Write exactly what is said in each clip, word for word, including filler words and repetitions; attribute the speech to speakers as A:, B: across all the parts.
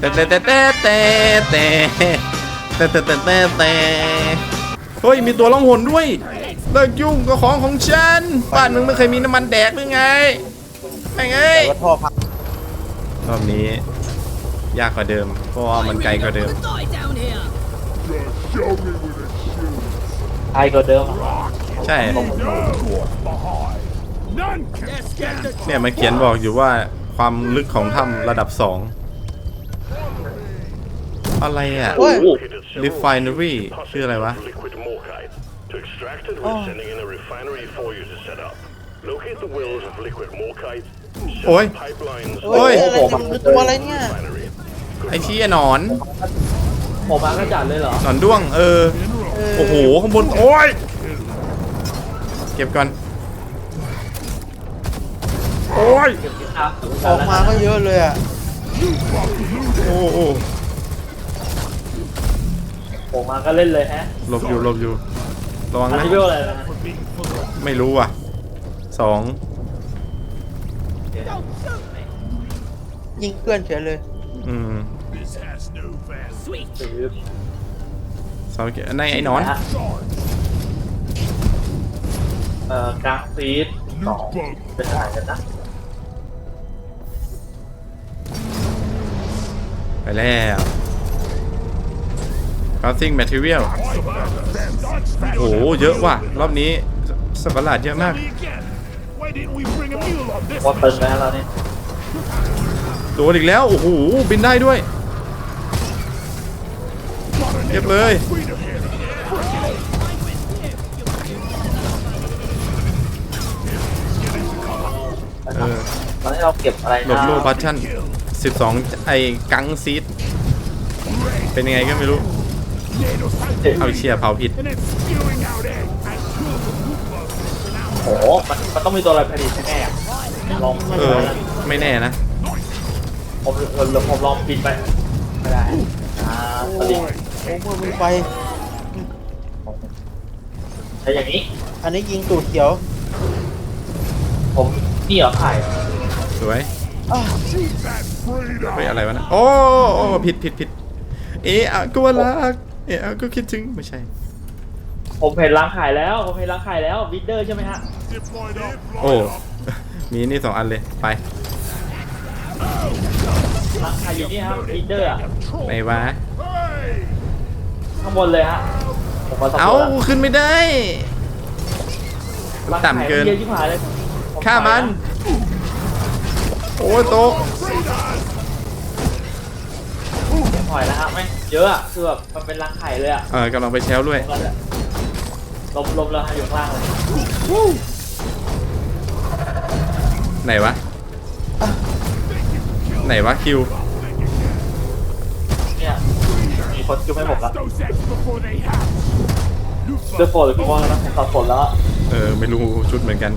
A: แต่แต่แต่แต่แต่แต่แต่แต่แต่แต่แต่เฮ้ยมีตัวล่องหนด้วยเลิกยุ่งกับของของฉันบ้านมึงไม่เคยมีน้ำมันแดกหรือไงไงไง
B: แต่ว่าท่อพัง
A: รอบนี้ยากกว่าเดิมเพราะว่ามันไกลกว่าเดิม
C: ไกลกว่าเดิม
A: ใช่เนี่ยมันเขียนบอกอยู่ว่าความลึกของถ้ำระดับสองอะไรอ่ะ refinery ชื่ออะไรวะโอ้ย
B: โอ้ยอะไรเนี่ยมันคือตัวอะไรเนี่ย
A: ไอ้ชี้หนอน
C: ผมมากระจัดเลยเหรอ
A: หนอนด้วงเออโอ้โหข้างบนโอ้ยเก็บก่อนโอ้ย
B: ออกมาก็เยอะเลยอ่ะ
A: โอ้โอ้
C: ผมมาก็เล่นเลยฮะ
A: หลบอยู่หลบอยู่ระวัง
C: อัน
A: นะ
C: นี้เรื่องอะไรนะ
A: ไม่รู้อ่ะสอง
B: ยิงเพื่อนเฉยเลย
A: อืม
C: ถือ
A: สองในไอ้หนอน
C: ฮะเอ่อกราฟฟีดสองเป็นถ่ายกันนะ
A: ไปแล้ว crafting material โอ้โหเยอะว่ะรอบนี้สัตว์ประหลาดเยอะมาก
C: ว่าเติมไปแล้วเราเนี่ย
A: โดนอีกแล้วโอ้โหบินได้ด้วยเก็บเลยเออ
C: ตอนนี้เราเก็บอะไร
A: หลบ
C: นะ
A: โลพัชชั่นสิบสองไอ้กังซีดเป็นยังไงก็ไม่รู้เอาเชียร์เผาผิด
C: โอ้โหมันมันต้องมีตัวอะไรผลิตแน่ๆอะลอง
A: เออไม่แน่นะ
C: ผมผมผมลองปิดไปไม่ได้อ่า
B: โอ้
C: สลิง
B: โอ้เมื่อมึงไป
C: ใช้อย่างนี้
B: อันนี้ยิงตูดเขียว
C: ผมนี่เหรอไข่
A: สวย
B: อ้าว
A: เฮ้ยอะไรวะนะโอ้โอ้ผิดผิดผิดเอะอะก็ว่ารักเอะอะก็คิดถึงไม่ใช่
C: ผมเห็นร้านขายแล้วผมเห็นร้านขายแล้ววิดเดอร์ใช่ไหมฮะ
A: โอ้ มีนี่สองอันเลยไป
C: ร้านขายอยู่นี่ครับวิดเดอร์อะ
A: ไหนวะ
C: ข้างบนเลยฮะผมมาสำรวจ
A: เอ้า
C: แล้ว
A: ขึ้นไม่ได้
C: ร้านขาย
A: ต่ำเกิน
C: เยอะชิบหายเลยผ
A: ฆ่ามัน โอ้ยโตก
C: ถอยแล้วฮะไม่เยอะอะคือแบบมันเป็นรังไข่เลยอะ
A: เออกำลังไปแชลด้วย
C: ลมลมแล้วฮะอยู่ข้างล่างเลย
A: ไหนวะ ไหนวะคิว
C: เนี่ยมีคนคิวให้ผมละเดือดฝนหรือพี่บอลนะผมตัดฝนแล้ว
A: เออไม่รู้ชุดเหมือนกัน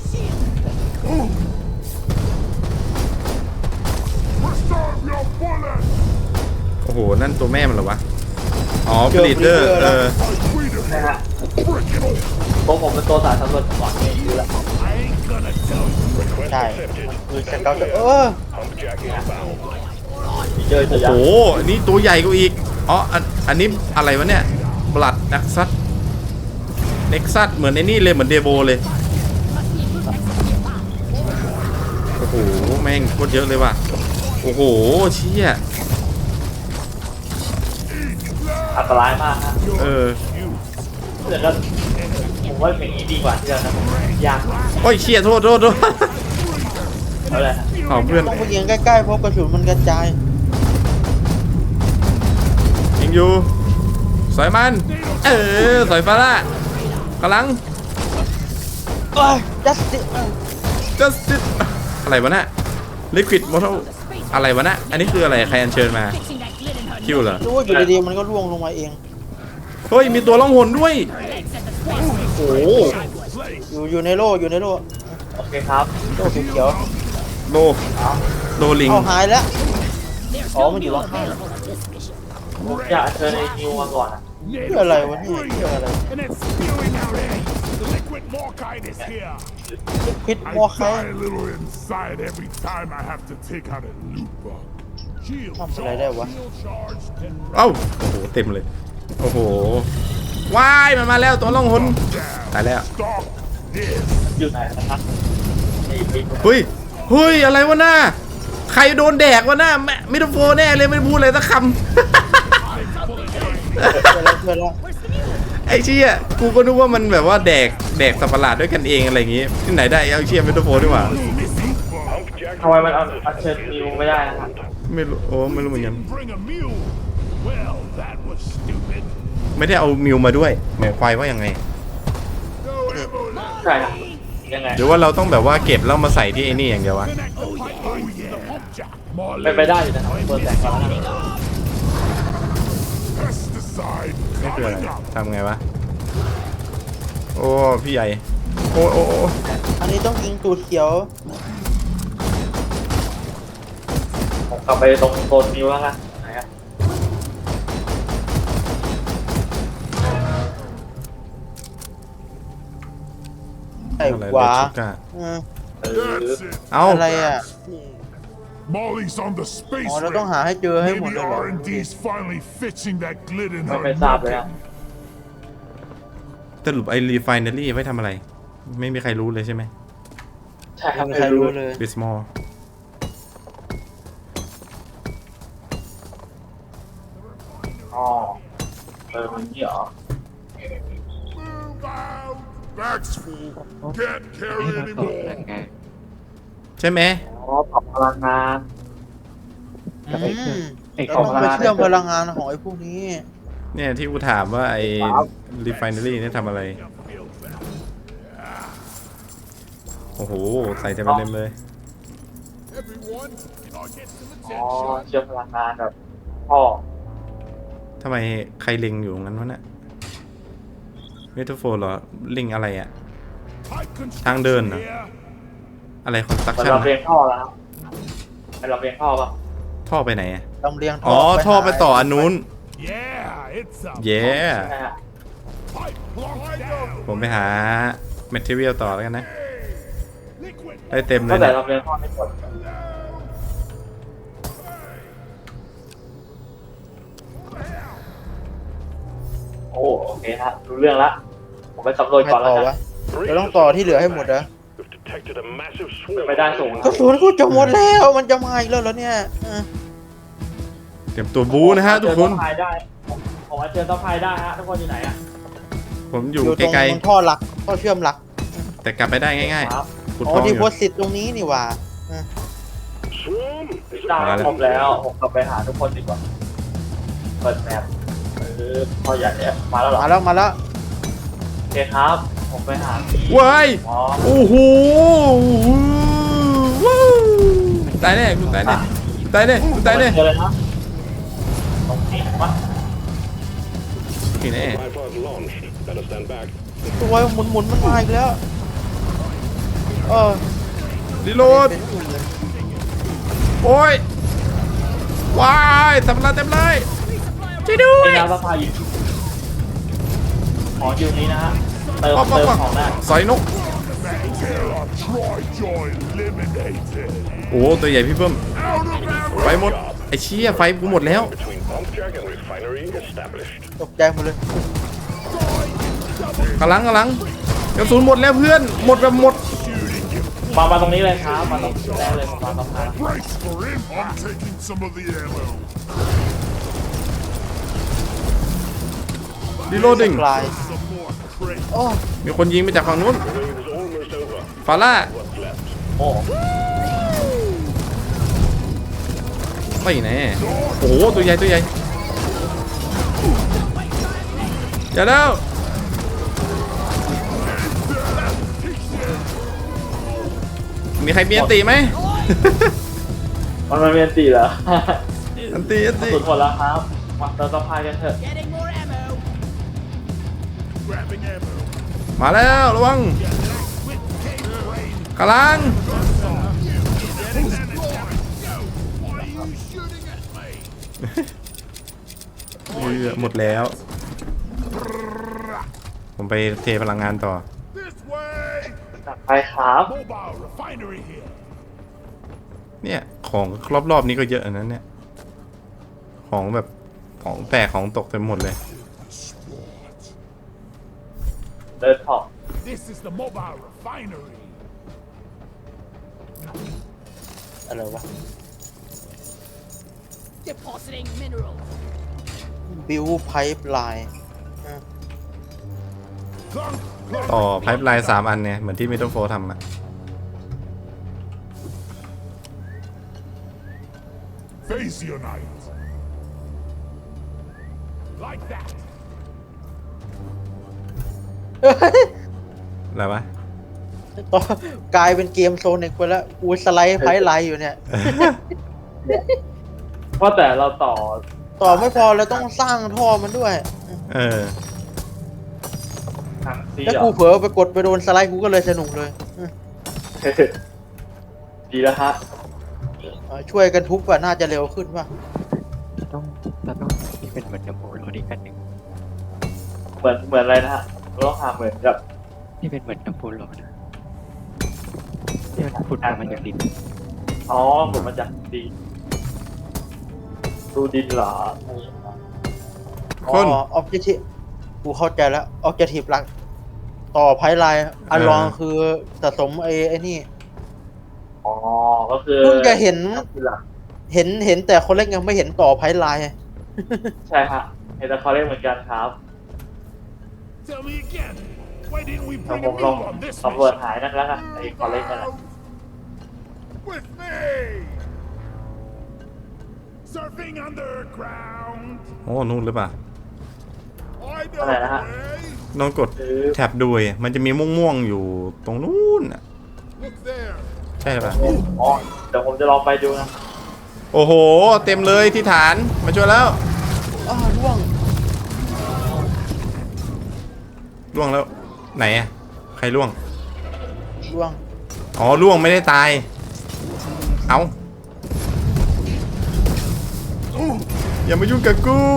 A: โอ้โห นั่นตัวแม่มันเหรอวะ อ๋อผลิตเดอร์เออ
C: นะฮะตัวผมเป็นตัวสายสำรวจก่อนเนี่ยอยู่แล้ว
B: ใช่มันคือสเกลเออ
C: มีเจอตัว
A: โอ้
C: ยั
A: โห
C: กษ์
A: อันนี้ตัวใหญ่กว่าอีก อ๋อ อันอันนี้อะไรวะเนี่ย บลัดนักซัดเน็กซัสเหมือนไอ้นี่เลยเหมือนเดโบเลย โอ้โห แม่งโคตรเยอะเลยว่ะ โอ้โห เชี่ย
C: อันตรายมากฮะ
A: เออ
C: แต่ก็ผมว่าอย่างนี้ดีกว่าที่เรานะยาก
A: โอ้ยเชี่ยโทษโทษโทษ
C: เอาเลยฮะ
A: เอาเพื่อน
B: ต้องไปยิงใกล้ๆเพราะกระสุนมันกระจาย
A: ยิงอยู่สอยมัน เออสอยฟ้าละกำลัง
B: เอ้ย justice
A: justice อะไรวะน่ะ liquid mortal อะไรวะน่ะ อันนี้คืออะไร ใครอัญเชิญมา คิวเหรอ
B: รู้ว่าอยู่ดีๆมันก็ร่วงลงมาเอง
A: เฮ้ย มีตัวล่องหนด้วย โอ้โห
B: อยู่อยู่ในโล่อยู่ในโล่
C: โอเคครับ
B: โล่เขียว
A: โลโลลิง
B: เอาหายแล้ว
C: อ๋อมันอยู่ข้างผมอยากเชิญไอ้นิวมาก่อนอะ
B: เพื่ออะไรวะเนี่ยเพื่ออะไร
D: And it's spewing out eggs. The liquid morkite is here.
B: พิษ
D: I
B: มอคาย
D: die a little inside every time I have to take out a loot bug. Shield
B: ทำอะไรได้วะ
D: shield charged and
A: เอ้าโอ้โหเต็มเลยโอ้โหว้ายมันมาแล้วตัวล่องหนตายแล้ว
D: stop this.
C: อยู่ไหนนะครับไอ้บิ๊ก
A: เฮ้ยเฮ้ยอะไรวะหน้าใครโดนแดกวะหน้าแม่มิโตโฟแน่เลยไม่พูดอะไรสักค
B: เพื่อนแล้วเพื่อนแล้ว
A: ำ ไอ้เชี่ยกูก็นึกว่ามันแบบว่าแดกแดกสัตว์ประหลาดด้วยกันเองอะไรอย่างงี้ที่ไหนได้เอาเชี่ยมิโตโฟดีกว่า
C: ทำไมมันเอาอัญเชิญนิวไม่ได้นะครับ
A: ไม่รู้โอ้ไม่รู้เหมือนกัน
D: Bring a mule. Well, that was stupid.
A: ไม่ได้เอามิวมาด้วยหมายความว่ายังไง
D: No ambulance.
C: ใช่ครับยังไง
A: หรือว่าเราต้องแบบว่าเก็บแล้วมาใส่ที่ไอ้นี่อย่างเดียววะ
D: Connect the pipeline to the pump jack. More
C: เป็นไปได้อยู่นะครับเปิดแสงก่อนแล้วกัน
D: pesticide
A: นี่คืออะไร
D: coming up.
A: ทำไงวะโอ้พี่ใหญ่โอ้โอ้โอ้
B: อันนี้ต้องยิงตูดเขียว
C: ผมกลับไปตรงโซนนิวแล้วกันไหนครับ
B: ไอ้
A: อะไร
B: ขวา
A: เดชูก้า
B: เออ
C: เออ
D: That's it.
A: เอ้า
B: อะไรอ่ะ
D: Molly's on the space
B: อ๋อเราต้องหาให้เจอให้หมด
D: Maybe
B: เลยเหรอ
D: R and D's finally fixing that glit in
C: ไม่
D: her
C: ไม่ทราบเลยค
D: rocket.
C: รับ
A: สรุปไอ้รีไฟเนอรี่ไว้ทำอะไร ไม่มีใครรู้เลยใช่ไหม
C: ใช่ครับ
B: ไม่มีใครรู้เลย
A: บิสมอล
C: อ๋อเออมันนี่เหรอ
D: Move out. Back's full. Can't carry anymore.
A: ใช่ไหม
C: อ๋อปรับพลังงาน
B: อืม
C: ไอ้
B: เรา
C: ของ
B: ต้อง
C: พ
B: ไป
C: ลังงาน
B: เชื่อมพลังงานของไอ้พวกนี้
A: เนี่ยที่กูถามว่าไอ้รีไฟเนอรี่เนี่ยทำอะไร โอ้โห ใส่เต็มเต็มเลย
D: Everyone, I'll get some
C: อ๋อ
D: attention.
C: เชื่อมพลังงานแบบพ่อ
A: ทำไมใครเล็งอยู่งั้นวะเนี่ยเมทัลโฟร์เหรอเล็งอะไรอะ
D: Pipe
A: ทางเดิน
D: construction
A: เหรอ
D: here.
A: อะไรคอนสตรัก
C: เหมือน
A: ชั่น
C: เราเรียงท่อแล้วครับเป็นเราเรียงท่อป่ะ
A: ท่อไปไหนอะ
B: ลำเลียง
A: อ๋อ ท่อไปต่ออันนู้น
D: Yeah, it's a
A: เย้
C: ใช่ฮะ
D: pipe blocked down.
A: ผมไปหาแมทเทอเรียลต่อแล้วกันนะ
D: Liquid
A: ได้เต็มเล
C: ตั้
A: ย
C: งแต่
A: เนี่ย
C: เราเรียงท่อไม่หมดโอ้โอเคฮะรู้เรื่องละผมไปสำรวจ
B: ไม่
C: ก่อนแล้
B: ต่
C: ว
B: อ
C: กั
B: วะ
C: น
B: เราต้องต่อที่เหลือให้หมดเหรอ
E: We've detected a massive
C: เป็น
E: swarm.
C: ไปได้สูง
B: กระสุนกูจะหมดแล้วมันจะมาอีกแล้วเหรอเนี่ยเออ
A: เตรียมตัวบูนะฮะทุกคน
C: เจอต้องพายได้ผมผมว่าเจอต้องพายได้ฮะทุกคนอยู่ไหนอะ
A: ผมอยู่
B: อยู่ตรง
A: ไกล
B: ตรงท่อหลักท่อเชื่อมหลัก
A: ๆ แต่กลับไปได้ง่าย
C: ครับ
A: ๆขุด
B: อ๋
A: ท
B: อ
A: องอ
B: ที่
A: ยู่
B: โพสต์สิทธิ์ตรงนี้นี่หว่าเออ
E: Swarm?
C: ได้
A: มาแล้ว
C: ครบแล้วผมกลับไปหาทุกคนดีกว่าเปิดแมปเออพอใหญ่เนี่ยมาแล้วเหรอ
B: มาแล้วมาแล้ว
C: โอเคครับ ผมไปหาที่
A: ว้าย
C: อ๋อ
A: โอ้โหว้าวตายแน่กูตายแน่ตายแน่กูตายแน่
C: เจอเลยนะตรงนี้วะ
A: นี่แน่
E: Tripod launched. Better stand back.
B: ตัวหมุนหมุนๆมันมาอีกแล้วเออ
A: รีโหลด
B: เป็นอื่นเลย
A: โอ้ยว้ายสับปะรดเต็มเลยช่วยด้ว
C: นี่
A: ย
C: นะว่าพาอยู่ของอยู่นี้นะฮะเติม
A: ป๊อกป๊อก
C: เติม
A: ป๊อก
C: ของได้
A: สอยนก
D: Kill a Troy Joy eliminated.
A: โอ้ตัวใหญ่พี่เพิ่ม
D: Out of ammo.
A: ไฟหมดไอ้เชี่ยไฟกูหมดแล้ว
E: Between pump jack and refinery established.
B: ตกใจหมดเลย
A: กำลังกำลังกระสุนหมดแล้วเพื่อนหมดแบบหมด
C: มามาตรงนี้เลยครับมาตรงแรกเลยผมมาตรงนั้น
D: Brace for him. I'm taking some of the ammo.
A: รีโหลดดิ้ง
B: ปลาย
D: Some more crates.
B: โอ้
A: มีคนยิงมาจากฝั่งนู้น
E: The wave is almost over.
A: ฟาร่า
E: What's left?
C: โอ้
A: ไม่แน่โอ้โหตัวใหญ่ตัวใหญ่อย่าแล้วมีใครมีอันตีไหม
C: มันมันเป็นตีเหรอ
A: อันตีอันตี
C: สุดหมดแล้วครับมาเติมต้องพายกันเถอะ
D: Grabbing ammo.
A: มาแล้วระวังกำลัง
D: Why are you shooting at me?
A: เออหมดแล้ว ผมไปเทพลังงานต่อ
D: This way.
C: ไปครับ
D: Mobile refinery here.
A: เนี่ยของรอบๆนี้ก็เยอะอันนั้นเนี่ยของแบบของแตกของตกเต็มหมดเลย
C: เดินถอก
D: This is the mobile refinery.
B: อะไรวะ
F: Depositing minerals.
B: บิวไพป์ไลน์
D: Clunk, clunk.
A: ต่อไพป์ไลน์สามอันเนี่ยเหมือนที่มิดเดิลโฟทำอะ
D: Face unite. Like that.
A: อะไรวะ
B: ต่อกลายเป็นเกมโซนิกไปแล้วกูสไลด์ไพป์ไลน์อยู่เนี่ย
C: เพราะแต่เราต่อ
B: ต่อไม่พอเราต้องสร้างท่อมันด้วย
A: เออ
C: ทางซี
B: แล้ว
C: เหรอ
B: กูเผลอไปกดไปโดนสไลด์กูก็เลยสนุกเลย
C: ดีแล้วฮะ
B: เออช่วยกันทุบว่าน่าจะเร็วขึ้นป่ะ
G: ต้องเราต้องที่เป็นเหมือนกับโมโลอีกอันหนึ่ง
C: เหมือนเหมือนอะไรนะฮะเราต้องหาเหมือนกับ
G: ที่เป็นเหมือนกับโมโลนะที่มันขุดมาจากดิน
C: อ๋อผมมาจากดีดูดินเหรอ
B: อ๋
A: คน
B: อออบเจทีฟกูเข้าใจแล้วออบเจทีฟหลัก ต่อไพป์ไลน์อันรองคือสะสมไอ้ไอ้นี่
C: อ๋อก็คือ
B: เพิ่งจะเห็น
C: คือหลัก
B: เห็นเห็นแต่คนเล็กยังไม่เห็นต่อไพป์ไลน์
C: ใช่ฮะเห็นแต่เขาเรียกเหมือนกันครับ
D: Tell me again. Why didn't we
C: แต่
D: bring
C: ผ
D: a
C: มลอง
D: mule on this
C: สำรวจ
D: mission?
C: หายนั่นแล้วกันไอ้เขาเรียกนั่นแหละ
D: With me. Surfing underground.
A: โอ้นู่นหรือเปล่า
D: I know
C: อะไรนะ
D: the
C: ฮะ
D: way.
A: ลองกด
C: คือ
A: แท็บดูดิมันจะมีม่วงๆอยู่ตรงนู้นอะ
D: Look there.
A: ใช่หรือเปล่า
C: อ๋อเดี๋ยวผมจะลองไปดูนะ
A: โอ้โห เต็มเลยที่ฐานมาช่วยแล้ว
B: อ้าวร่วง
A: ล่วงแล้วไหนอะใครล่วง
B: ร่วง
A: อ๋อล่วงไม่ได้ตาย เอาอย่ามายุ่งกับกุ้ง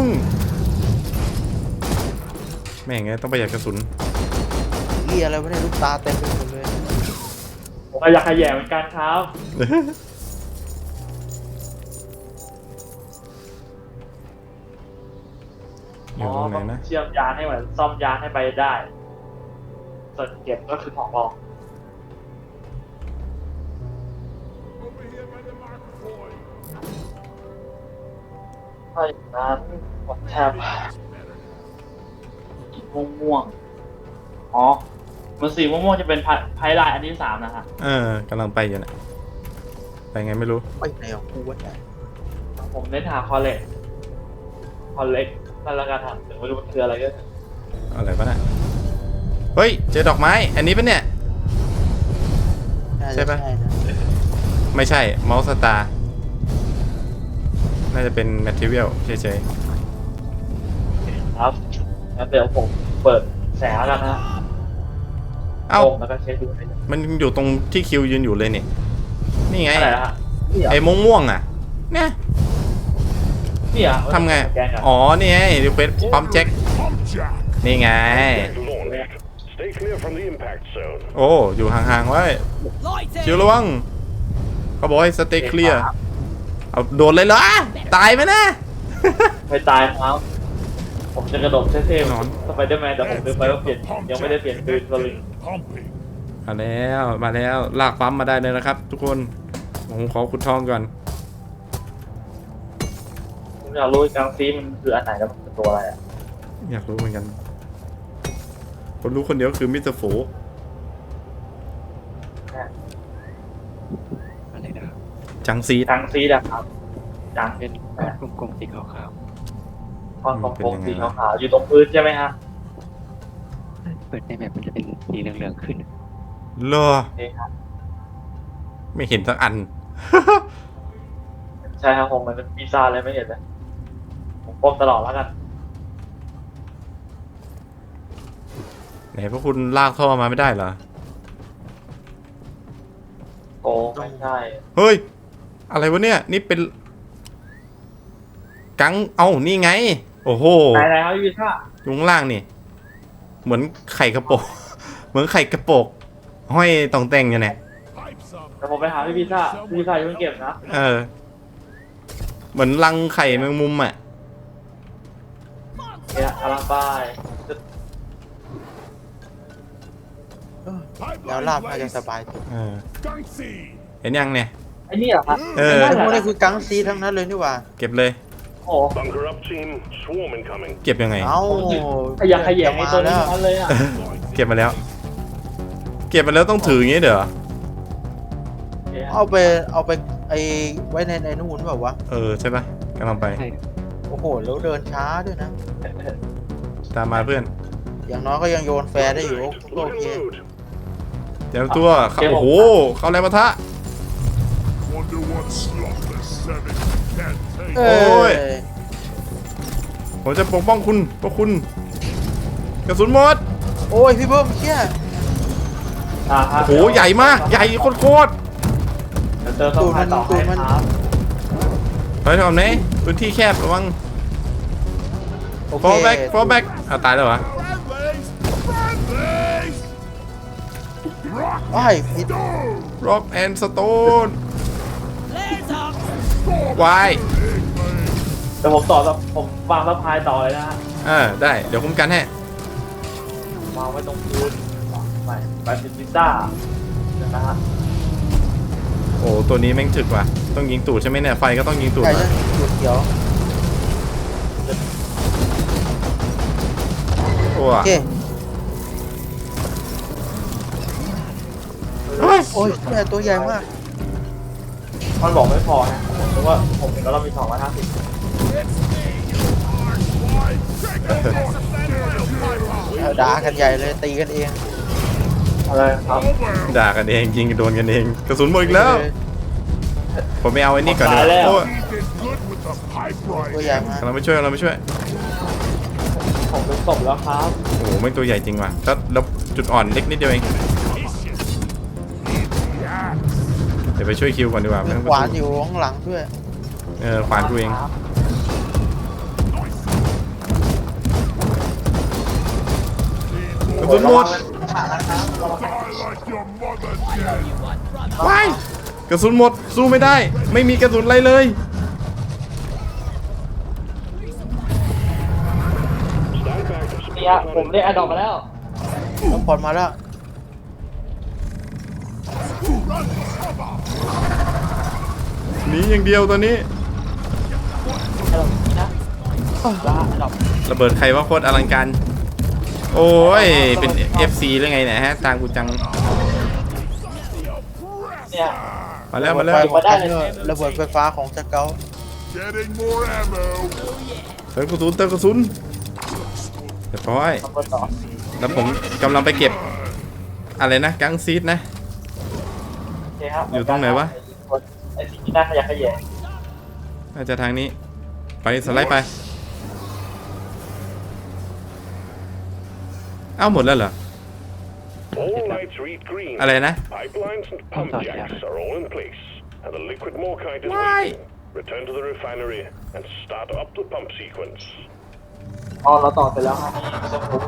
A: แม่งไงต้องประหยัดกระสุน
B: เหียอะไรวะเนี่ยลูกตาเต็มไปหมดเลย
C: ผมก็อยากขยแยงเหมือนกันครับ
A: อ
C: อ๋
A: ยู่
C: อ
A: ตรงไหน
C: ต้อง
A: นะ
C: เชื่อมยานให้เหมือนซ่อมยานให้ไปได้ ส่วนเก็บก็คือของรอง
D: Over here by the Mark Point.
C: ถ้าอย่างนั้นผมแทบม่วงม่วงๆอ๋อมันสีม่วงม่วงๆจะเป็นไพไลน์อันที่สามนะฮะ
A: เออกำลังไปอยู่นะไปไงไม่รู้
B: ไปไหนของกูวะเนี่ย
C: ผมเน้นหาคอเล็กคอเล็กนั่นละกันครับถึงไม่รู้มันคืออะไรก็
A: อะไรปะเนี่ยเฮ้ยเจอดอกไม้ อันนี้ปะเนี่ย
B: น่าจ
A: ใช่ปะ
B: นะ
A: ไม่ใช่เมาส์สตาร์น่าจะเป็นแมทเทียลเฉย
C: ครับงั้นเดี๋ยวผมเปิดแสงแล้วกันนะ
A: ๆเอ้า
C: ลงแล้วก็เช็คดูให้ดู
A: มันอยู่ตรงที่คิวยืนอยู่เลยนี่นี่ไง
C: อะไรนะฮะนี่เหรอ
A: ไอ้ม่วงม่วงๆอ่ะเนี่ย
C: นี่เหรอ
A: ทำไง
C: แกนเหรอ
A: อ๋อนี่ไงรีเควสปั๊มแจ็ค
D: Pump jack.
A: นี่ไง
E: Get launched. Stay clear from the impact zone.
A: โอ้อยู่ห่างๆไว้
F: Lighting.
A: คิวระวังเขาบอกให้สเต็กเคลียร์เอาโดนเลยเหรอตายไหมนะ
C: ไม่ตายครับผมจะกระโดดเท่
A: นอน
C: ๆสไปเดอร์แมนแต่ผมลืมไปว่าเปลี่ยนยังไม่ได้เปลี่ยนปืนสลิง
D: Pumping.
A: มาแล้วมาแล้วลากปั๊มมาได้เลยนะครับ ทุกคนผมขอขุดทองก่อน
C: ผมอยากรู้กลางซีมันคืออันไหนแล้วมันเป็นตัวอะไรอ่ะ
A: อยากรู้เหมือนกัน คนรู้คนเดียวคือมิสเตอร์โฟ
G: อะไรนะ
A: จังซีด
C: กลางซีอะครับกลาง
G: เป็นก้อนกลมๆสีขาว
C: ก้อนกลมๆสีขาวๆอยู่ตรงพื้นใช่ไหมฮะ
G: ๆเปิดในแบบมันจะเป็นสีเหลืองๆขึ้น
A: เหรอ
C: นี่ครับ
A: ไม่เห็นสักอัน
C: ใช่ครับผมมันเป็นปีศาจเลยไม่เห็นเลยผมก้มตลอดแล้วกัน
A: ไหนพวกคุณลากท่อมาไม่ได้เหรอ
C: โกงไม่ใช่
A: เฮ้ย อะไรวะเนี่ย นี่เป็น กัง เอ้า นี่ไง โอ้โห
C: ไหนไหนครับพี่พิซ่า
A: อยู่ข้างล่างนี่ เหมือนไข่กระโปก เหมือนไข่กระโปก ห้อยตองแต่งอยู่เนี่ย
D: Pipes up.
C: แต่ผมไปหาพี่พิซ่าพี่พิซ่าอย่าเพิ่งเก็บนะ
A: เออ เหมือนรังไข่แมงมุมอ่ะ
C: เนี่ยกำลังไป
B: แล้วลาบน่าจะสบายสุด
A: เออ
D: Skunk seed.
A: เห็นยังเนี่ย
C: ไอ้นี่เหรอครับ
A: เออ
C: ไนั่น
B: พวก
C: แห
B: นี้
C: ละ
B: คือกังซีทั้งนั้นเลยนี่หว่า
A: เก็บเลย
C: โอ้
E: Bunker up, team. Swarm incoming.
A: เก็บยังไง
B: เอ้า
C: ขยักขยงไอ้ตัวนี้
B: แล้ว
C: ทั้งนั้นเลยอ่ะ
A: เก็บมาแล้ว เก็บมาแล้วต้องถืออย่างงี้เด้อ
B: เอาไปเอาไปไอไว้ในในนู่นแบบวะ
A: เออใช่ปะกำลังไป
G: ใช่
B: โอ้โหแล้วเดินช้าด้วยนะ
A: ตามมาเพื่อน
B: อย่างน้อยก็ยังโยนแฟร์ได้อยู่ก็โอเค
E: Loading load.
A: เตรียมตัวเข้าโอ้โห เข้าแรงปะทะ
D: Wonder what slopless seven can take.
B: เอ
A: โอ้
B: ้
A: ย
B: ย
A: ผมจะปกป้องคุณเพราะคุณ กระสุนหมด
B: โอ้ยพี่เบิ้มเชี่ย
C: อ่าครับ
A: โอ้โห ใหญ่มาก ใหญ่โคตร
C: เดี๋ยวเจอต้องพายต่อให้ครับ
A: ๆถอยถอยไหนพื้นที่แคบระวัง
B: โอเค
A: fall back fall back อ่ะตายแล้วเหรอ
D: Friendlies! Friendlies! Rock
B: อ้ายผิด
D: stone!
A: rock and stone
F: Flares up!
A: วาย
C: เดี๋ยวผมต่อแล้วผมวางแล้วพายต่อเลยนะฮะ
A: อ่าได้ เดี๋ยวคุ้มกันให้
C: วางไว้ตรงพื้นไปไปเป็นพิซซ่าเดี๋ยวนะฮะ
A: โอ้ตัวนี้แม่งถึกว่ะ ต้องยิงตูดใช่ไหมเนี่ย ไฟก็ต้องยิงตูด
B: ใช่
A: ว่ะ
B: ใช่จุดเขียว
A: โอ้
B: โอเค
A: เฮ้ย
B: โอ้ยแต่ตัวใหญ่มาก
C: มันบอกไม่พอนะผมคิดว่าผมเห็นแล้วเรามีสองร้อยห้าสิบ
B: เอาด่ากันใหญ่เลยตีกันเอง
C: อะไรครับ
A: ด่ากันเองยิงกันโดนกันเอง กระสุนหมดอีกแล้ว ผมไม่เอาไอ้นี่ก่อนดีก
C: ตายแล้ว
A: ว่าโอ้ย
D: He did good with the pipe
B: ตัว
D: rifle.
B: ใหญ่มาก
A: กำลังไปช่วยกำลังไปช่วย
C: ผมเป็นศพแล้วครับ
A: โอ้โหไม่งตัวใหญ่จริงว่ะแล้วแล้วจุดอ่อนเล็กนิดเดียวเอง เดี๋ยวไปช่วยคิวก่อนดีกว่า
B: มี
A: ไม่ต้อง
B: ขวานอยู่ข้างหลังด้วย
A: เออขวานกูเอง
C: ครับ
A: กระสุนหมด
D: Die like your mother did.
A: ว้ายกระสุนหมดสู้ไม่ได้ ไม่มีกระสุนอะไรเลย
E: Stand back. to
C: เนี่ย
E: support
C: ผมได้แอดดอกมาแล้ว
B: ต้องผ่อนมาแล้ว
A: หนีอย่างเดียวตอนนี้
C: แอดดอกนี้นะลาแอดดอก
A: ระเบิดใครว่าโคตรอลังการ โอ้ย เป็น เอฟ ซี หรือไงเนี่ยฮะตามกูจัง
C: เนี่ย
A: มาแล้วมาแล้ว
B: ระเบิดไฟของระเบิดไฟฟ้าของสเกล
D: Getting more ammo.
A: เติมกระสุนเติมกระสุนเรียบร้อย
C: ทำคนต่อ
A: แล้วผมกำลังไปเก็บ อะไรนะกังซีดนะ
C: โอเคครับ
A: อยู่ตรงไหนวะ
C: ไอ้สิ่งที่น่าขยะแขยง
A: น่าจะทางนี้ ไปสไลด์ไป เอ้าหมดแล้วเหรอ
E: All lights read green.
A: อะไรนะ
E: Pipelines and pump jacks are all in place, and the liquid morkite is
A: Why?
E: waiting. Return to the refinery and start up the pump sequence.
C: อ๋อเราต่อเสร็จแล้วครับนี่ไม่ต้องทุบ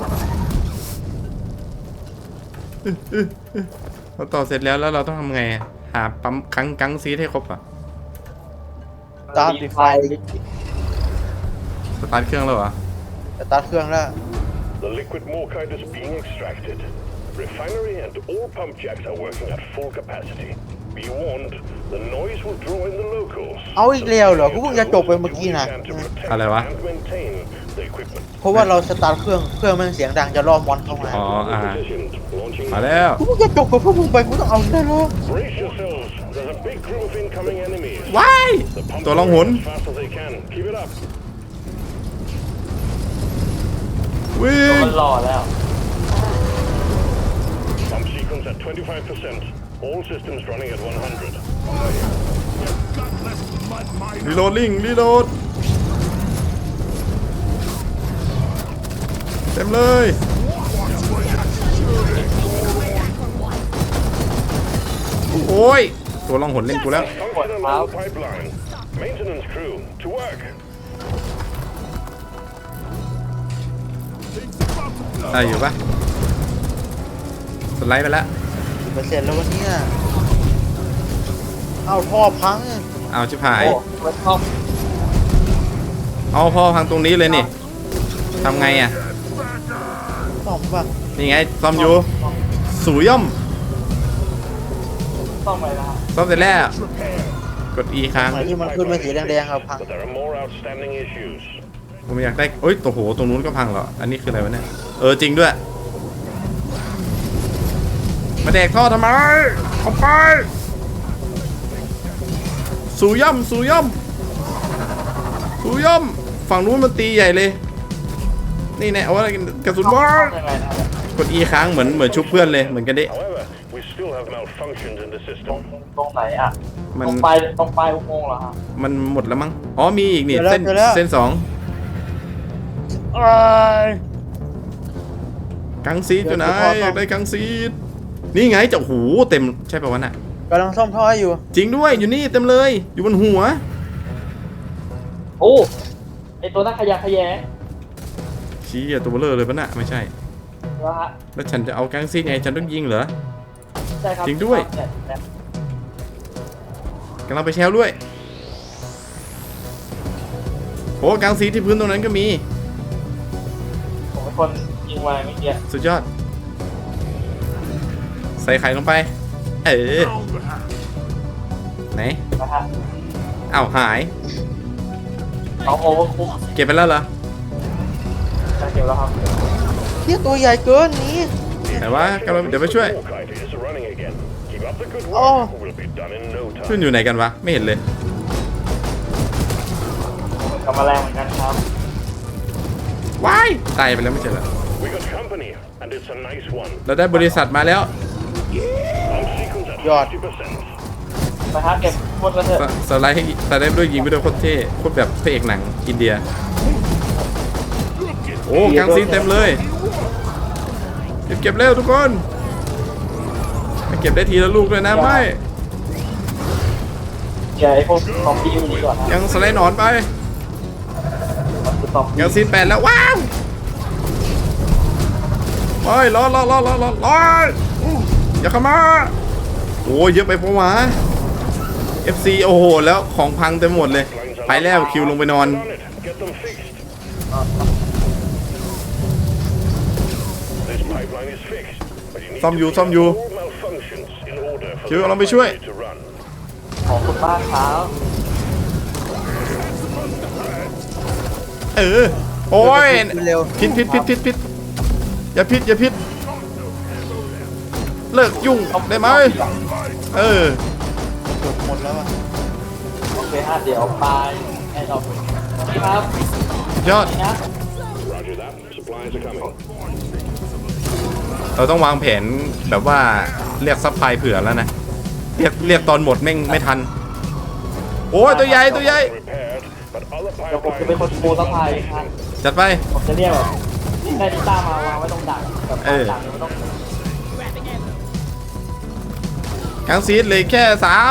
A: เราต่อเสร็จแล้วแล้วเราต้องทำไงอะหาปั๊มกังกังซีดให้ครบอ่ะ
B: ตามดีไฟ
A: สตาร์ทเครื่องแล้วเหรอ
B: จะตัดเครื่องแล้ว
E: The liquid morkite is being extracted. Refinery and all pump jacks are working at full capacity. Be warned, the noise will draw in the locals.
B: เอาอีกแล้วเหรอกูเพิ่งจะจบไปเมื่อกี้นะ
E: Do what you can to protect
A: อะไรวะ
E: and maintain the equipment.
B: เพราะว่าเราสตาร์ทเครื่องเครื่องมันเสียงดังจะล่อมอนเข้ามา
A: อ๋ออ่า
E: Positioned, launching
A: มาแล้ว
B: กูเพิ่งจะจบกับพวกมึงไปกูต้องเอาได้หรอ
E: Brace yourselves. There's a big group of incoming enemies.
A: ว้าย
E: The pumps
A: ตัว
E: are
A: ล่องหน
E: working as fast as they can. Keep it up.
A: วิ่ง
C: มันหล่อแล้ว
E: Pump sequence at twenty-five percent. All systems running at one hundred.
D: Gutless mud miner.
A: รีโหลดลิงรีโหลดเต็มเลย โอ้ย ตัวล่องหนเล่นกูแล้ว
E: Function along the pipeline. Maintenance crew, to work.
A: ได้อยู่ปะสไลด์ไปแล้ว
B: สิบเปอร์เซ็นต์แล้ววันนี้เอาท่อพัง
A: เอาชิบหาย
C: โอ้มันชอบ
A: เอาพ่อพังตรงนี้เลยนี่ทำไงอ่ะ
B: ซ่อมป่ะ
A: นี่ไงซ่อมอยู่สูย่อม
C: ต้องไปนะ
A: ซ่อมเสร็จแล้วกด E ค้าง
B: ไหนที่มันขึ้นเป็นสีแดงๆครับพัง
E: But there are more outstanding issues.
A: ผมอยากได้โอ้ยโอ้โหตรงนู้นก็พังเหรออันนี้คืออะไรวะเนี่ยเออจริงด้วยมาแดกท่อทำไมเอาไปสูย่อมสูย่อมสูย่อมฝั่งนู้นมันตีใหญ่เลยนี่แน่เอาอะไรกระสุนบอล
C: ยังไงนะ
A: กด E ค้างเหมือนเหมือนชุบเพื่อนเลยเหมือนกันดิ
E: However, we still have malfunctions in the
C: ตรง
E: system.
C: ตรงไหนอ่ะ
A: มัน
C: ตรงปลายตรงปลายอุโมงค์เหรอฮะ
A: มันหมดแล้วมั้งอ๋อมีอีกนี่
B: เจอแล้ว
A: เส้น
B: เจอแล้ว
A: เส้นสอง
B: เอ้ย
A: กังซีดอยู่ไหน
B: เดี๋ยว
A: อยากได้กังซีดนี่ไงจะโอ้โหเต็มใช่ป่าวะน่ะ
B: กำลังซ่อมท่ออยู่
A: จริงด้วยอยู่นี่เต็มเลยอยู่บนหัว
C: โอ้ไอตัวนักขยะแขยง
A: ชี้อะตัวเบลอเลยปะน่ะไม่ใช่
C: นะฮะ
A: แล้วฉันจะเอากังซีดไงฉันต้องยิงเหรอ
C: ใช่ครับ
A: จริงด้วย
C: เนี่ยเนี่ย
A: กำลังไปแชลด้วยโอ้กังซีดที่พื้นตรงนั้นก็มี
C: ผมเป็นคนยิงไว้เมื่อกี้
A: สุดยอด ใส่ไข่ลงไป เออ
D: Down the hatch.
A: ไหน
C: นะฮะ
A: อ้าวหาย
C: เอาโอเวอร์คุก
A: เก็บไปแล้วเหรอ
C: จะเก็บแล้วครับ
B: เที่ยตัวใหญ่เกินหนี้
A: ไหนวะกำลังเดี๋ยวไปช่วย
E: Orkite is running again. Keep up the good work.
B: Oh.
E: We'll be done in no
A: ช่วย
E: time.
A: อยู่ไหนกันวะไม่เห็นเลย
C: กับแมลงเหมือนกันครับ
A: ว้ายตายไปแล้วไม่ใช่เหรอ
E: We got company, and it's a nice one.
A: เราได้บริษัทมาแล้ว
E: Pump sequence at
B: God.
E: fifty percent.
C: นะฮะเก็บหมดแล้วเถอะ
A: สสไลด์ให้สไลด์ไปด้วยยิงไปด้วยโคตรเท่โคตรแบบพระเอกหนังอินเดีย โอ้กังซีนเต็มเลยเก็บเก็บเร็วทุกคนไปเก็บได้ทีละลูกด้วยนะไม่
C: เดี๋ยวไอพวกซอมบี้อยู่นี่ก่อนนะ
A: ยังสไลด์หนอนไป
C: มันคือซอมบี้
A: กังซีนแปดแล้วว้าวไปรอรอรอรอรอรออย่าเข้ามาโอ้เยอะไปปะวะ เอฟ ซี โอ้โหแล้วของพังเต็มหมดเลยไปแล้วคิวลงไปนอน
E: On it. Get them fixed. This pipeline is fixed, but you need
A: ซ่อม
E: to
A: อยู่
E: clear
A: ซ่อมอยู่
E: all malfunctions in order for
A: คิว
E: the
A: กำลังไปช่วย
E: refinery to run.
C: ของคุณป้าเท้า
A: เออโอ้ย
B: เร็ว
A: พิษพิษพิษพิษพิษอย่าพิษอย่าพิษเลิกยุ่งได้ไหมเออ
B: จบหมดแล้วอ่ะ
C: โอเคฮะเดี๋ยวปลายแอนด์ออฟนี่ครับ
A: ยอด
C: นี่นะ
E: Roger that. Supplies are coming.
A: เราต้องวางแผนแบบว่าเรียกซัพพลายเผื่อแล้วนะเรียกเรียกตอนหมดแม่งไม่ทันโอ้ยตัวใหญ่ตัวใหญ่
E: Repaired, but other
C: เดี๋ยวผมจะ
E: pipelines
C: เป็นคนโปรสะพายครับ
A: จัดไป
C: ผมจะเรียกแบบได้ดิต้ามาวางไว้ตรงดักแบบ
A: เออ
C: ดักไม่ต้อง
A: กังซีดเหลยแค่สาม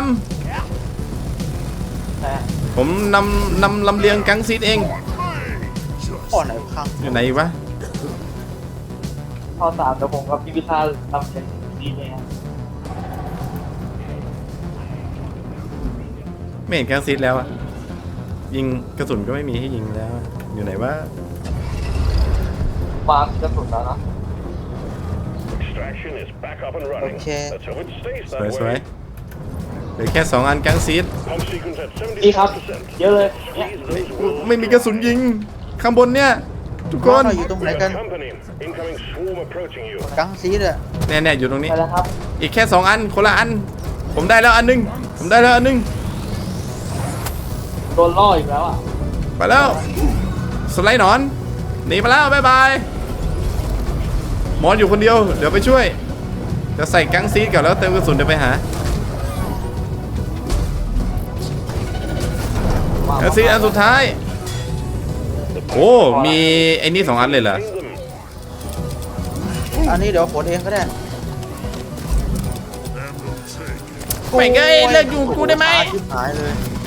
C: นะฮะ
A: ผมนำนำลำเลียงกังซีดเอง
B: ก่อนไหนพัง
A: อยู่ไหนอีกวะ
C: ข้อสามเดี๋ยวผมกับพี่พิธาทำเป็นดีเลยครับ
A: ไม่เห็นกังซีดแล้วอะยิงกระสุนก็ไม่มีให้ยิงแล้วอะอยู่ไหนวะ
C: วางกระสุนแล้วนะ
E: extraction is back up and running.
B: Okay.
E: Let's hope it stays
A: สวย
E: that
A: สวย
E: way.
A: เหลือแค่สองอันกังซีด
E: Pump sequence at
C: นี่ครับ
E: seventy-five percent.
C: เยอะเลยเนี่ย
E: These those
A: ไม่มีกระสุนยิงข้างบนเนี่ยทุกคน
B: เราอยู่ตรงไหน
E: We
B: กัน
E: got company. Incoming swarm approaching you.
B: กังซีดอ่ะ
A: แน่ๆอยู่ตรงนี้
C: ไปแล้วครับ
A: อีกแค่สองอันคนละอัน ผมได้แล้วอันหนึงผมได้แล้วอันหนึง
C: โดนล่ออีกแล้วอ่ะ
A: ไปแล้วสไลด์หนอนหนีไปแล้วบ๊ายบายหมอนอยู่คนเดียวเดี๋ยวไปช่วยจะใส่กังซีดก่อนแล้วเติมกระสุนเดี๋ยวไปหากังซีดอันสุดท้ายโอ้มีไอ้นี่สองอันเลยเหรอ
E: Bring them.
B: อันนี้เดี๋ยวขนเองก็ได้
A: แม่งเอ้ยเลิกอยู่กูได้ไหม
B: ชิบหายเลย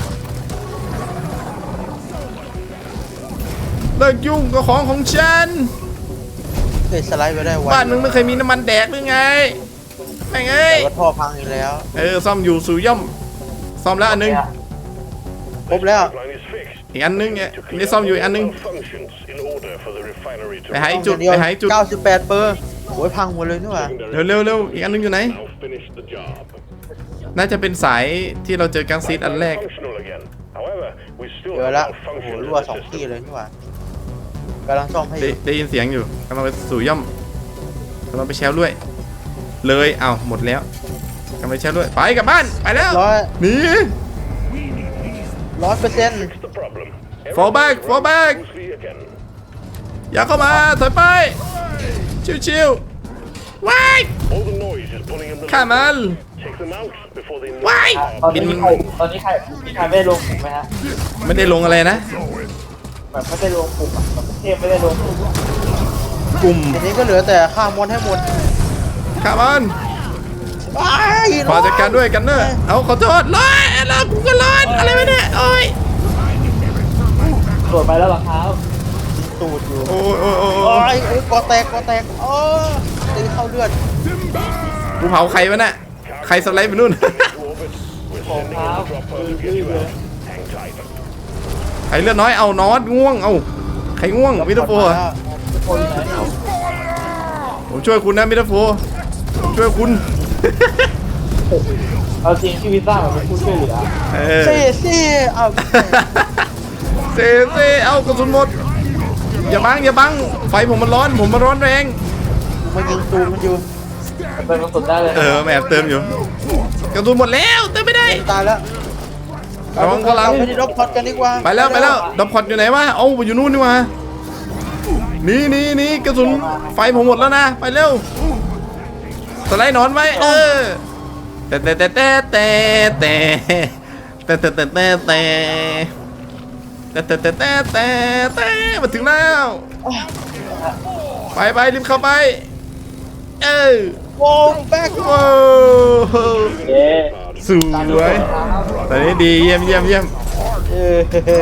A: เลิกยุ่งกับของของฉัน
B: เคยสไลด์ไปได้ไว
A: บ้านมึงไม่เคยมีน้ำมันแดกหรือไงแม่งเอ้ย
B: แต่ว่าท่อพังอีกแล้ว
A: เออซ่อมอยู่สู่ย่อมซ่อมแล้วอันหนึง
B: ครบแล้ว
E: Pipeline is fixed.
A: อีกอันนึงเนี่ยนี่ซ่อมอยู่อีกอันนึง
E: Functions in order for the refinery to
A: ไปหาอีกจุด
B: เดียว
A: ไปหาอีกจุด
B: เก้าสิบแปดเปอร์โอ้ยพังหมดเลยนี่หว่า
A: เร็วเร็วเร็วอีกอันนึงอยู่ไหน
E: now finish the job.
A: น่าจะเป็นสายที่เราเจอกังซีดอันแรก
E: Functional again. However, we still
B: เจอ
E: have
B: ละโอ้โห
E: malfunctions
B: รั่ว
E: in
B: สอง
E: the
B: ที่
E: system.
B: เลยนี่หว่า กำลังซ่อมให้อ
A: ได้
B: ยู่
A: ได้ยินเสียงอยู่กำลังไปสู่ย่อมกำลังไปแชลด้วย เลยเอ้าหมดแล้วกำลังไปแชลด้วยไปกลับบ้านไปแล้ว
B: ร้อย
A: หนี
B: ร้อยเปอร์เซ็นต์
E: Fix the problem.
A: Fall back,
E: Everything
A: fall
E: runs
A: back.
E: smoothly again.
A: อย่าเข้ามาถอยไปชิวๆว้าย
E: All the noise is pulling in the
A: ฆ่ามัน
E: Take them out before they
A: ว้าย
C: ตอน
A: บิ
C: นี้
A: น
C: ใครตอนนี้ใครมีใครไม่ได้ลงกลุ่มไหมฮะ
A: ไม่ได้ลงอะไรนะ
C: แบบไม่ได้ลงกลุ่มอะแบบเทพไม่ได้ลงกลุ่ม
A: กลุ่ม
B: ทีนี้ก็เหลือแต่ฆ่ามอนให้หมด
A: ฆ่ามัน
B: ว้าย
A: ขอจัดการด้วยกันเนอะเอาขอโทษร้อนแล้วกูก็ร้อนอะไรวะเนี่ยโอ้ย
C: ตรวจไปแล้วเหรอครับ
B: ตูดอยู่
A: โอ้ยโอ้ยโอ้ย
B: โอ้
A: โอ้ย
B: ยโอ้ยกอแตกกอแตกโอ้ตีเข้าเลือด
A: กูเผาใครวะน่ะใครสไลด์ไปนู่น
E: to orbit. We're
C: ผม
E: sending
C: ครั
E: in
C: บ
E: the dropper
C: คือ
E: to
C: ยื
E: get
C: ด
E: you
C: เลย
E: out. Hang tight.
A: ใครเลือดน้อยเอานอตง่วงเอาใครง่วงมิเตอร์โฟร์
C: คนไหนเอา
A: ผมช่วยคุณนะมิเตอร์โฟร์ผมช่วยคุณ
C: เอาจริงพี่วิซ่ามันเป็นผู้ช่วยเหลือ
A: เออ
B: เซ่เซ่เอา
A: เซเซเอากระสุนหมดอย่าบังอย่าบังไฟผมมันร้อนผมมันร้อนแรง
B: มายิงตูดมันอยู่
C: มันเป็นกระสุนได้เลย
A: เออแอบเติมอยู่กระสุนหมดแล้วเติมไม่ได้
B: ตายแล้ว
A: ระวังข้างหลัง
B: ไปที่รถพอดกันดีกว่า
A: ไปแล้วไปแล้วดับพอดอยู่ไหนวะเอาอยู่นู่นนี่วะนี่นี่นี่กระสุนไฟผมหมดแล้วนะไปเร็วสไลด์หนอนไว้เออแต่แต่แต่แต่แต่แต่แต่แต่แต่แต่แต่แต่แต่แต่แต่แต่มาถึงแล้วไปไปรีบเข้าไปเออ
B: โว้แบ็ค
A: ว้าว
C: เย้
A: สวยตอนนี้ดีเยี่ยมเยี่ยมเยี่ยม
B: เออ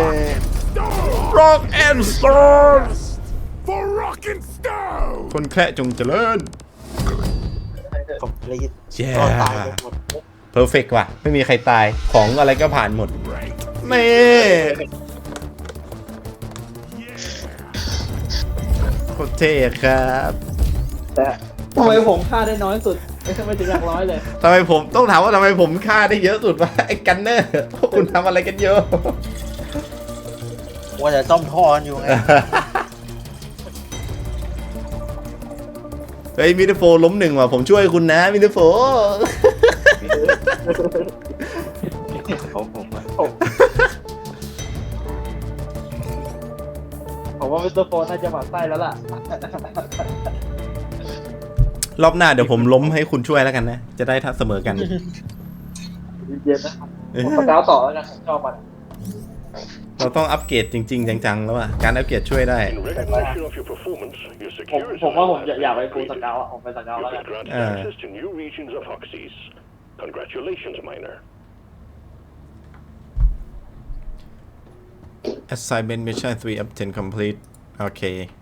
A: Rock and Stone
D: For rock and stone!
A: คนแคระจงเจริญ
B: คอมพลีท
A: เย้
B: ก็ตายไปหมด
A: เพอร์เฟกต์ว่ะ ไม่มีใครตายของอะไรก็ผ่านหมดนี่โคตรเท่ครับ
C: แต่ทำไมผมฆ่าได้น้อยสุดไม่ใช่ไม่ถึงหลักร้อยเลย
A: ทำไมผมต้องถามว่าทำไมผมฆ่าได้เยอะสุดวะไอ้กันเนอร์พวกคุณทำอะไรกันเยอะ
B: ว่าจะซ่อมท่อกันอยู่ไง
A: เฮ้ยมิเตอร์โฟร์ล้มหนึ่งว่ะผมช่วยคุณนะมิเตอร์โฟร์
G: ของผมอะ
C: ผมผมว่ามิสเตอร์โฟนน่าจะหมั่นไส้แล้วล่ะ
A: รอบหน้าเดี๋ยวผมล้มให้คุณช่วยแล้วกันนะ จะได้ทัดเสมอกัน
C: เย็นๆนะครับผมสเกาวต่อแล้วกันผมชอบมัน
A: เราต้องอัปเกรดจริง ๆ จังๆแล้วอ่ะการอัปเกรดช่วยได้
E: In recognition of your performance, your
C: ผม
E: security
C: ผมว่าผมอยากไปฟูลสเกาวอะผมไปสเกาว
E: You've
C: แล้วกัน
E: been granted
A: Uh.
E: access to new regions of Hoxes. Congratulations, Miner.
A: Assignment mission three of ten complete โอเค